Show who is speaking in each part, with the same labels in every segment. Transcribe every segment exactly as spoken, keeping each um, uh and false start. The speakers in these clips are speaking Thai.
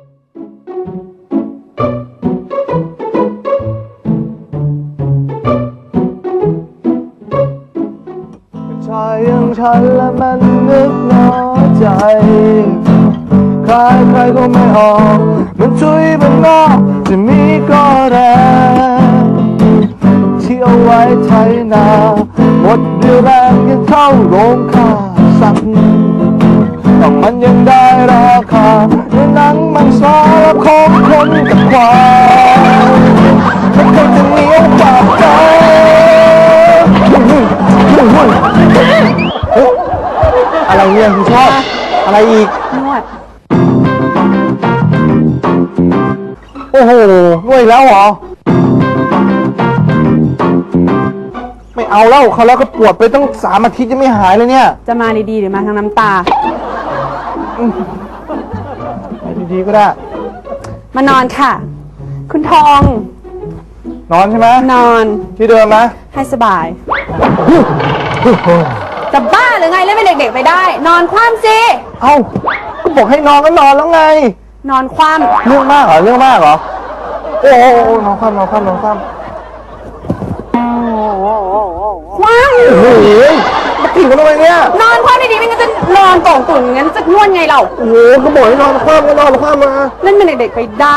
Speaker 1: ชายอย่างฉันและมันนึกน้อยใจใครใครก็ไม่ออกมันช่วยมันนอกจะมีก็แรงที่เอาไว้ไถนาหมดเรี่ยวแรงยังเท่าโรงฆ่าสัตว์แต่มันยังได้ราคาในหนังมังสาของคนกับควายมันคงจะเหนียวปากใจอะไรเนี่ยคุณชอบอะไรอีกนวดโอ้โหนวดแล้วเหรอไม่เอาแล้วเขาแล้วก็ปวดไปตั้งสามอาทิตย์ยังไม่หายเลยเนี่ย
Speaker 2: จะมาดีๆหรือมาทางน้ำตา
Speaker 1: ไปดีๆก็ได้
Speaker 2: มานอนค่ะคุณทอง
Speaker 1: นอนใช่ไหม
Speaker 2: นอน
Speaker 1: ที่เดิมนะ
Speaker 2: ให้สบายจะบ้าหรือไงเล่นเป็นเด็กๆไปได้นอนคว่ำสิ
Speaker 1: เอ้าก็บอกให้นอนก็นอนแล้วไง
Speaker 2: นอนคว่
Speaker 1: ำเรื่องมากเหรอเรื่องมากเหรอโอ้โหนอนคว่ำนอนคว่ำนอนคว่ำ
Speaker 2: คว่ำ
Speaker 1: โอ้โหมาถิ่นกันทำไมเนี่ย
Speaker 2: นอนคว่ำดีๆไม่งั้นจะนอนโต่งตุ่นงั้นจะนวดไงเรา
Speaker 1: โอ้โหก็บอกให้นอนคว่ำก็นอนคว่ำมา
Speaker 2: เล่นเป็นเด็กๆไปได้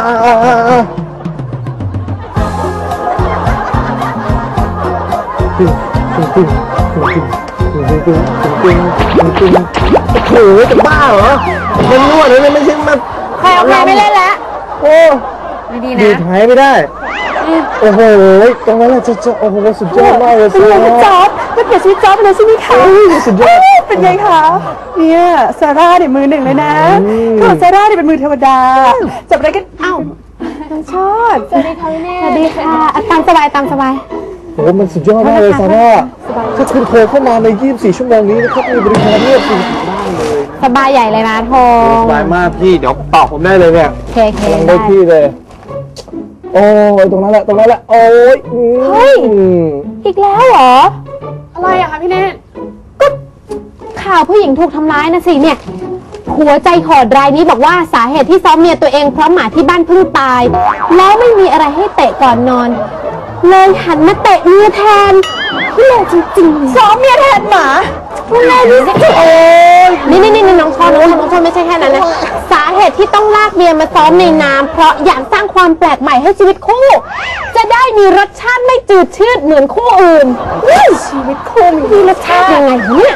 Speaker 1: ตึงตึงตึงตึงตึงตึงตึงตึงตึงตึงโอ้โหจะบ้าเหรอมันนวดเลยไม่ใช่มา
Speaker 2: ใครเอาใครไม่เล่นแล้ว
Speaker 1: โอ้
Speaker 2: ดีๆนะ
Speaker 1: ดีหายไม่ได้โอ้โหตรงนั้นแหละจะจะโอ้โหสุดยอดมากเลย
Speaker 2: เป็นไงจ๊อบจะเปลี่ยนชีวิตจ๊อบเลยใช่ไหมคะ
Speaker 1: สุดยอด
Speaker 2: เป็นไงคะเนี่ยซาร่าเนี่ยมือหนึ่งเลยนะก็ซาร่าเนี่ยเป็นมือเทวดาจับอะไรกันเอ้าน้องชอบ
Speaker 3: สวัสดีค่ะแม่
Speaker 2: สวัสดีค่ะตามสบายตามสบาย
Speaker 1: โอ้มันสุดยอดมากเลยซาร่าถ้าคุณโทรเข้ามาในยี่สิบสี่ชั่วโมงนี้นะครับมีบริการเรียบร้อยเลย
Speaker 3: สบายใหญ่เลยนะโทง
Speaker 1: สบายมากพี่เดี๋ยวตอบผมได้เลยเนี่ย
Speaker 3: เคเค
Speaker 1: กำลังได้พี่เลยโอ้ยตรงนั้นแหละตรงนั้นแหละโอ้ย
Speaker 3: เฮ้ยอีกแล้วเหรอ
Speaker 2: อะไรอะคะพี่เนต
Speaker 3: ก็ข่าวผู้หญิงถูกทำร้ายนะสิเนี่ยหัวใจโหดรายนี้บอกว่าสาเหตุที่ซ้อมเมียตัวเองเพราะหมาที่บ้านเพิ่งตายแล้วไม่มีอะไรให้เตะก่อนนอนเลยหันมาเตะเมียแทนพี่เลวจริงๆ
Speaker 2: ซ้อมเมียแทนหมา
Speaker 3: พี่เลวนี่สิโอ้ยนี่นี่นี่น้องชอบน้องชอบน้องชอบไม่ใช่แค่นั้นนะสาเหตุที่ต้องลากเมียมาซ้อมในน้ำเพราะอยากสร้างความแปลกใหม่ให้ชีวิตคู่จะได้มีรสชาติไม่จืดชืดเหมือนคู่อื่น
Speaker 2: ชีวิตคู่
Speaker 3: มีรสชาติยังไงเนี่ย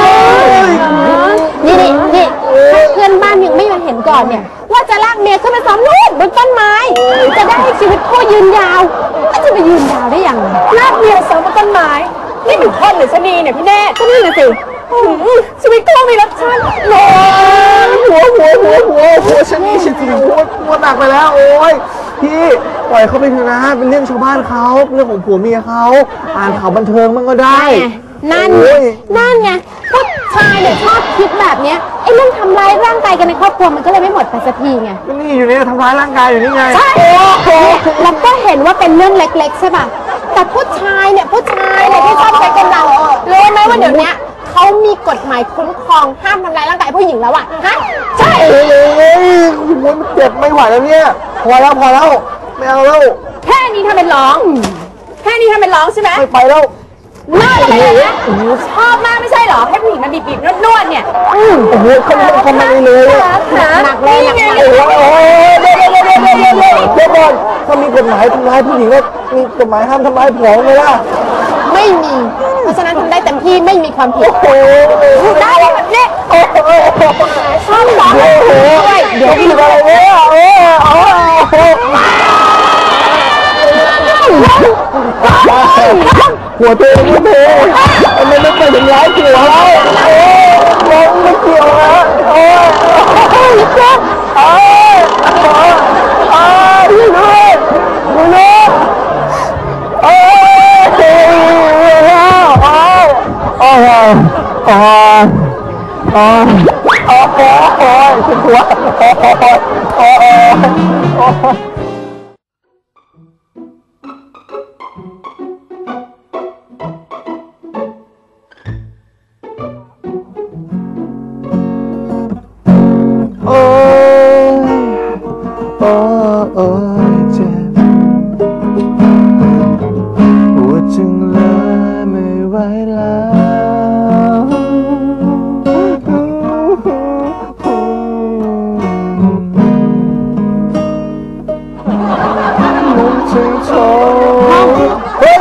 Speaker 3: นี่นี่นี่ถ้าเพื่อนบ้านยังไม่มาเห็นก่อนเนี่ยว่าจะลากเมียขึ้นไปซ้อมนู่นบนต้นไม้จะได้ให้ชีวิตคู่ยืนยาวก็จะไปยืนยาวได้ยังไง
Speaker 2: ลากเมียซ้อมบนต้นไม้นี่เป็นคนหรือชะนีเนี่ยพี่เนต
Speaker 3: ก็นี่นะสิ
Speaker 2: ชีวิตคู่มีรสชาติ
Speaker 1: โอ้ยหัวหัวหัวหัวหัวฉันนี่ฉันถึงหัวหัวหนักไปแล้วโอ้ยพี่ปล่อยเขาไปเถอะนะเป็นเรื่องชาวบ้านเขาเรื่องของผัวเมียเขาอ่านข่าวบันเทิงมันก็ได้
Speaker 3: นั่นนั่นไงผู้ชายเนี่ยชอบคิดแบบเนี้ยไอ้เรื่องทำร้ายร่างกายกันในครอบครัวมันก็เลยไม่หมดไปสักทีไง
Speaker 1: ก็นี่อยู่นี่ทำร้ายร่างกายอยู่นี่ไง
Speaker 3: ใช่แล้วก็เห็นว่าเป็นเรื่องเล็กๆใช่ป่ะแต่ผู้ชายเนี่ยผู้ชายเนี่ยที่ชอบใช้กำลังรู้ไหมว่าเดี๋ยวนี้เขามีกฎหมายคุ้มครองห้ามทำร้ายร่างกายผู้หญิงแล้วอ่ะฮะใช่
Speaker 1: โอ้ยมันเจ็บไม่ไหวแล้วเนี่ยพอแล้วพอแล้วไม่เอาแล้ว
Speaker 2: แค่นี้ทำเป็นร้องแค่นี้ทำเป็นร้องใช่ไหม
Speaker 1: ไม่ไปแล้ว
Speaker 2: น่าเลยนะชอบมากไม่ใช่หรอให้ผู้หญิงมาบีบๆนวดๆเนี่ย
Speaker 1: โอ้โหเขาเขาไม่เลย
Speaker 3: หนักเลยหนักเลย
Speaker 1: โอ้ยเดี๋ยวเดี๋ยวเดี๋ยวเดี๋ยวเดี๋ยวเดี๋ยวก่อนถ้ามีกฎหมายทำร้ายผู้หญิงแล้วมีกฎหมายห้ามทำร้ายผัวไหมล่ะ
Speaker 3: ไม่มีเพราะฉะนั้นทำได้เต็มที่ไม่มีความผิด
Speaker 1: โอ้
Speaker 3: ได้แบบนี้
Speaker 1: โอ้โห
Speaker 3: ชอบร้องด้วย
Speaker 1: เดี๋ยวพี่อะไรเนี่ยโอ้โหหัวเตะหัวเตะทำไมไม่ไปถึงร้ายเกี่ยวแล้วโอ้ยไม่เกี่ยวนะโอ้ยโอ้ยโอ้ยโอ้ยดูด้วยดูด้วยโอ้ยโอ้ยโอ้ยโอ้ยโอ้ยโอ้ยโอ้ยโอ้ยโอ้ยฉันหัวโอ้ยโอ้ยโอ้ยโอ้ยโอ้โอ้ยเจ็บปวดจึงเลยไม่ไหวแล้วมุ่งถึงโชว์เฮ้ย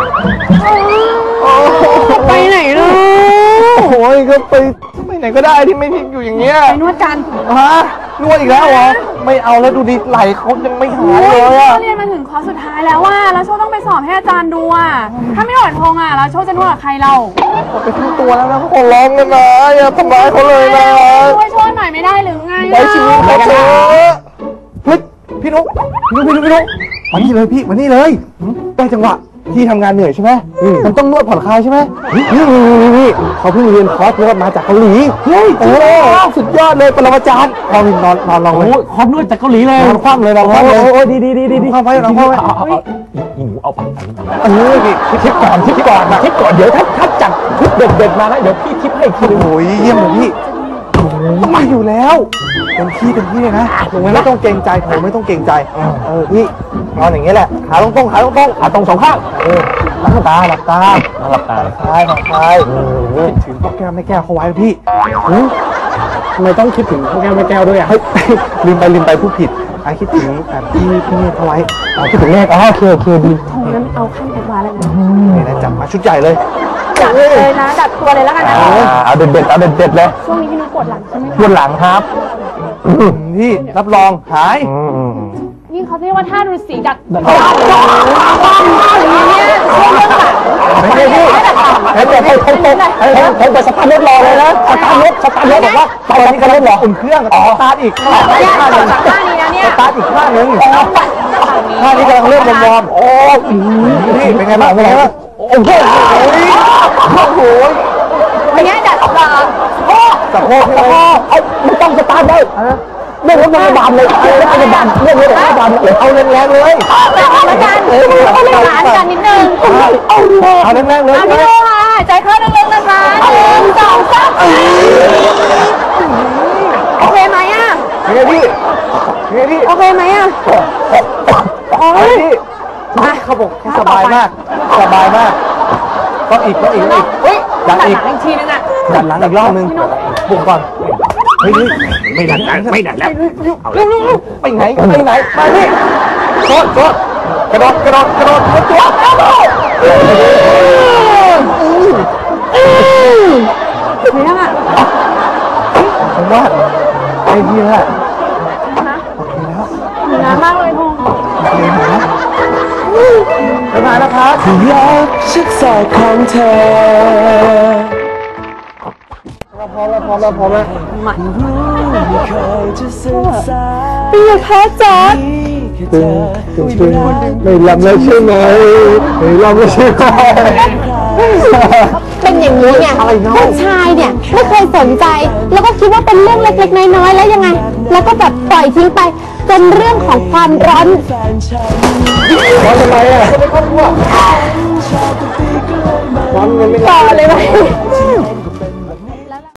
Speaker 2: ไปไหนลูก
Speaker 1: โอ้ยก็ไปไปไหนก็ได้ที่ไม่ทิ้งอยู่อย่างเงี้ย
Speaker 2: ไปนวดกัน
Speaker 1: ฮะนวดอีกแล้วเหรอไม่เอาแล้วดูดิไหลเขายังไม่หายเลยอะ
Speaker 4: เรียนมาถึงคอร์สสุดท้ายแล้วว่าแล้วโชคต้องไปสอบให้อาจารย์ดูอ่ะถ้าไม่ถอนทงอ่ะแล้วโชคจะนวดกับใครเรา
Speaker 1: ไปทั้งตัวแล้วนะเขาขอร้องกันนะอย่าทำร้ายเขาเลยนะ
Speaker 4: ช่วยโชคหน่อยไม่ได้หรือไง
Speaker 1: ไว้ชีวิตเขาเถอะเฮ้ยพี่นุ๊กพี่นุ๊กพี่นุ๊กพี่นุ๊กมานี่เลยพี่มานี่เลยได้จังหวะพี่ทำงานเหนื่อยใช่ไหมมันต้องนวดผ่อนคลายใช่ไหมนี่นี่นี่เขาเพิ่งเรียนคอร์สนวดมาจากเกาหลีเฮ้ยโอ้สุดยอดเลยปรมาจารย์ลองนอนนอนลองเลย
Speaker 5: โอ้ยคอมนวดจากเกาหลีเลย
Speaker 1: นอนคว่ำเลยนอนคว่ำเลย
Speaker 5: โอ้ยดีดีดีดีดี
Speaker 1: คว่ำไว้นอนคว่ำไว้
Speaker 5: เอาเอาเอาอีหนูเอาไป
Speaker 1: เออพี่
Speaker 5: ทิปก่อนทิปก่อนทิปก่อนเดี๋ยวถ้าถ้าจัดทิปเด็ดเด็ดมานะเดี๋ยวพี่ทิปให้อีกทีนึง
Speaker 1: โอ้ยเยี่ยมเลยพี่ต้องมาอยู่แล้วเป็นพี่เป็นพี่เลยนะไม่ต้องเกรงใจผมไม่ต้องเกรงใจเออพี่นอนอย่างเงี้ยแหละขาตรงๆขาตรงๆ
Speaker 5: ขาตรงสองข้าง
Speaker 1: เออหลับตาหลับตา
Speaker 5: หลับตา
Speaker 1: คลายคลายคิดถึงพ่อแก้วแม่แก้วเขาไว้นะพี่
Speaker 5: ทำไมต้องคิดถึงพวกแก้วแม่แก้วด้วยอ่ะ
Speaker 1: เฮ้ยลืมไปลืมไปผู้ผิดไอ้คิดถึงแบบพี่พี่เนี่ยเขาไว้
Speaker 5: อ๋อคิดถึงเลขอ๋อโอเคโอเคดี
Speaker 2: งั้นเอาขั้นแอดวานซ์แล้วนะ
Speaker 1: นี่นะจับมาชุดใหญ่เลย
Speaker 2: จัดเลยนะดัดตัวเลยแล้วกันนะ
Speaker 5: เอาเด็ดเด็ดเอาเด็ดเด็ดเลย
Speaker 2: ช่วงนี้พี่นุ๊กปวดหลังใช่ไหม
Speaker 5: บนหลังครับ
Speaker 1: พี่รับรองหาย
Speaker 4: ยิ่งเขาเรียกว่าท่าฤาษีดัด
Speaker 5: ไม่ใช่พี่ให้แต่ให้ให้ให้ให้ให้แต่สตาร์ทรถรอเลยนะสตาร์ทรถสตาร์ทรถบอกว่าตอนนี้กำลังรอ
Speaker 1: อุ่นเครื่องสตาร์ทอีก
Speaker 4: เนี่ยต่อจากท่านี้นะเนี่ย
Speaker 1: สตาร์ทอีกข้างหนึ่งท่านี้กำลังเริ่มวอร์มโอ้พี่เป็นไงบ้างเป็นไงบ้างโอ้โหโอ้โห
Speaker 4: อย่างเงี้ยดัดต่อ
Speaker 1: สะโพกใช่ไหม
Speaker 5: เอาไม่ต้องสตาร์ทเลยเรื่องรถพยาบาลเลยเรื่องรถพยาบาลเรื่องรถพยาบาลเลย
Speaker 1: เอาแรงๆเลย
Speaker 4: อาจารย์เขาเล่นหลานกันนิดนึง
Speaker 1: เอาเอาแรงๆเลย
Speaker 4: อ่ะพี่ดูค่ะใจเข้าลึกๆนะคะหนึ่งสองสามโอเคไหมอ่ะ
Speaker 1: เป็นไงพี่เป็นไงพี่
Speaker 4: โอเคไหมอ่ะ
Speaker 1: โอ้ยพี่เขาบอกเขาสบายมากสบายมากต้องอีกต้องอีกต้องอีก
Speaker 4: อุ้ย
Speaker 1: ดั
Speaker 4: ดั
Speaker 1: น
Speaker 4: ด
Speaker 1: อี
Speaker 4: ห
Speaker 1: ก
Speaker 4: ลังอีกทีนึงอ่ะ
Speaker 1: ดันหลังอีกรอบนึงปลุกก่อนเฮ้ย
Speaker 5: ไม่ดันไม่ดันแล้ว
Speaker 1: ไปไหนไปไหนมาพี่โคตรโคตรกระโดดกระโดดกระโดดกระโดดกระโดด
Speaker 4: ไม่ยังอ่ะ
Speaker 1: ผมว่าไอ้พี่แหละ
Speaker 4: หนูน้ำมากเลยทง
Speaker 1: ไปมาแล้วครับ
Speaker 6: รักชิดสายของเธอ
Speaker 1: เราพร้อมแล้วพร้อมแล้วพร้อมแล้ว
Speaker 6: ไม่เคยจะศึกษา
Speaker 2: พี่อย่าแพ้จอด
Speaker 6: แค่เธอ
Speaker 1: ไม่ลำแล้วใช่ไหมไม่ลำแล้วใช่ไหม
Speaker 3: เป็นอย่างนี้ไงผู้ชายเนี่ยไม่เคยสนใจ แล้วก็คิดว่าเป็นเรื่องเล็กๆน้อยๆแล้วยังไง แล้วก็แบบปล่อยทิ้งไปจนเรื่องของความร้อน
Speaker 6: แฟนฉัน
Speaker 1: ร้อนทำไมอ่ะก็ไม่ครอบครัวร้อนเงินไม่
Speaker 3: ต่อเลยไหม
Speaker 6: ที่